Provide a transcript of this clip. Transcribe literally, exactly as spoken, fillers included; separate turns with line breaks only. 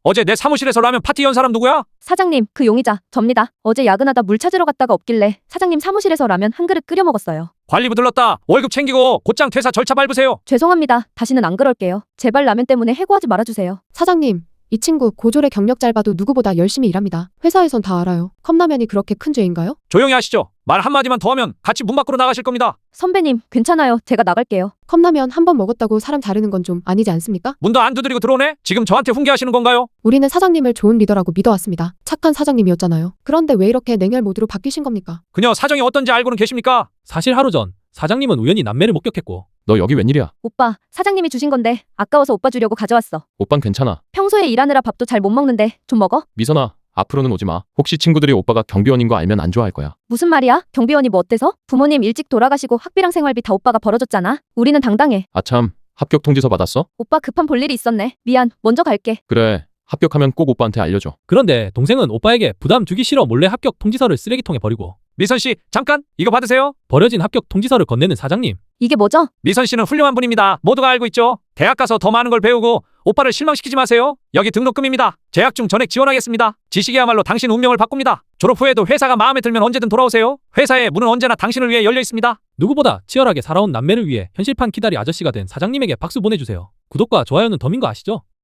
어제 내 사무실에서 라면 파티 연 사람 누구야?
사장님, 그 용의자 접니다. 어제 야근하다 물 찾으러 갔다가 없길래 사장님 사무실에서 라면 한 그릇 끓여 먹었어요.
관리부 들렀다. 월급 챙기고 곧장 퇴사 절차 밟으세요.
죄송합니다. 다시는 안 그럴게요. 제발 라면 때문에 해고하지 말아주세요.
사장님, 이 친구 고졸의 경력 짧아도 누구보다 열심히 일합니다. 회사에선 다 알아요. 컵라면이 그렇게 큰 죄인가요?
조용히 하시죠. 말 한마디만 더 하면 같이 문 밖으로 나가실 겁니다.
선배님, 괜찮아요. 제가 나갈게요.
컵라면 한 번 먹었다고 사람 자르는 건 좀 아니지 않습니까?
문도 안 두드리고 들어오네? 지금 저한테 훈계하시는 건가요?
우리는 사장님을 좋은 리더라고 믿어왔습니다. 착한 사장님이었잖아요. 그런데 왜 이렇게 냉혈 모드로 바뀌신 겁니까?
그녀 사정이 어떤지 알고는 계십니까?
사실 하루 전 사장님은 우연히 남매를 목격했고
너 여기 웬일이야?
오빠, 사장님이 주신 건데 아까워서 오빠 주려고 가져왔어.
오빤 괜찮아.
평소에 일하느라 밥도 잘 못 먹는데 좀 먹어?
미선아, 앞으로는 오지 마. 혹시 친구들이 오빠가 경비원인 거 알면 안 좋아할 거야.
무슨 말이야? 경비원이 뭐 어때서? 부모님 일찍 돌아가시고 학비랑 생활비 다 오빠가 벌어줬잖아. 우리는 당당해.
아참, 합격 통지서 받았어?
오빠 급한 볼일이 있었네. 미안. 먼저 갈게.
그래, 합격하면 꼭 오빠한테 알려줘.
그런데 동생은 오빠에게 부담 주기 싫어 몰래 합격 통지서를 쓰레기통에 버리고
미선 씨, 잠깐 이거 받으세요.
버려진 합격 통지서를 건네는 사장님.
이게 뭐죠?
미선 씨는 훌륭한 분입니다. 모두가 알고 있죠. 대학 가서 더 많은 걸 배우고 오빠를 실망시키지 마세요. 여기 등록금입니다. 재학 중 전액 지원하겠습니다. 지식이야말로 당신 운명을 바꿉니다. 졸업 후에도 회사가 마음에 들면 언제든 돌아오세요. 회사의 문은 언제나 당신을 위해 열려 있습니다.
누구보다 치열하게 살아온 남매를 위해 현실판 기다리 아저씨가 된 사장님에게 박수 보내주세요. 구독과 좋아요는 덤인 거 아시죠?